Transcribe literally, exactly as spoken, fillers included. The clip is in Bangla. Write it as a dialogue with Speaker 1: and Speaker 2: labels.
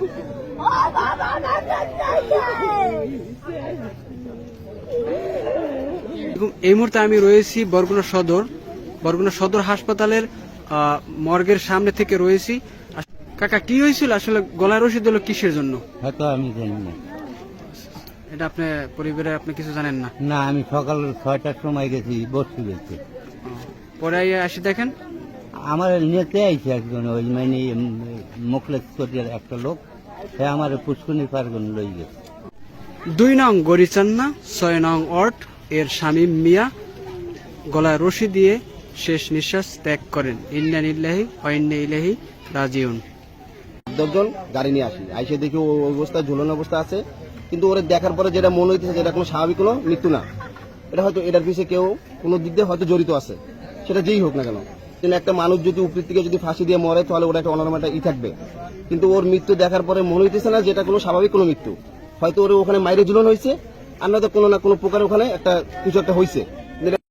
Speaker 1: এই মুহূর্তে আমি রয়েছি বরগুনা সদর বরগুনা সদর হাসপাতালের মর্গের সামনে থেকে রয়েছি। কাকা, কি হয়েছিল আসলে? গলায় রশি দিল কিসের জন্য?
Speaker 2: হয়তো আমি জানি না।
Speaker 1: এটা আপনি পরিবারে আপনি কিছু জানেন না?
Speaker 2: না, আমি সকাল ছয়টার সময় গেছি বসতে গেছি,
Speaker 1: পরে আসি দেখেন
Speaker 2: আমার নেতে আইছে একজন, ওই মানে মুখলেস করিয়ার একটা লোক, সে আমার পুষ্করণী পার্বণ লই গেছে।
Speaker 1: দুই নং গরিচান্না ছয় নং ওয়ার্ড এর শামীম মিয়া গলায় রশি দিয়ে শেষ নিঃশ্বাস ত্যাগ করেন। ইন্না লিল্লাহি ওয়া ইন্না ইলাইহি রাজিউন।
Speaker 3: দশজন গাড়ি নিয়ে আসি, আইসে দেখি ও অবস্থায় ঝুলন অবস্থা আছে, কিন্তু ওরা দেখার পরে যেটা মনে হইতেছে যেটা কোনো স্বাভাবিক কোনো মৃত্যু না, এটা হয়তো এটার পিছিয়ে কেউ কোনো দিক দিয়ে হয়তো জড়িত আছে, সেটা যেই হোক না কেন। কিন্তু একটা মানুষ যদি উপর থেকে যদি ফাঁসি দিয়ে মরে তাহলে ওটা একটা অনর্মাল ই থাকবে, কিন্তু ওর মৃত্যু দেখার পরে মনে হইতেছে না যেটা কোনো স্বাভাবিক কোনো মৃত্যু। হয়তো ওর ওখানে মাইরে ঝুলন হয়েছে, আর নয়তো কোনো না কোনো প্রকার ওখানে একটা কিছু একটা হয়েছে।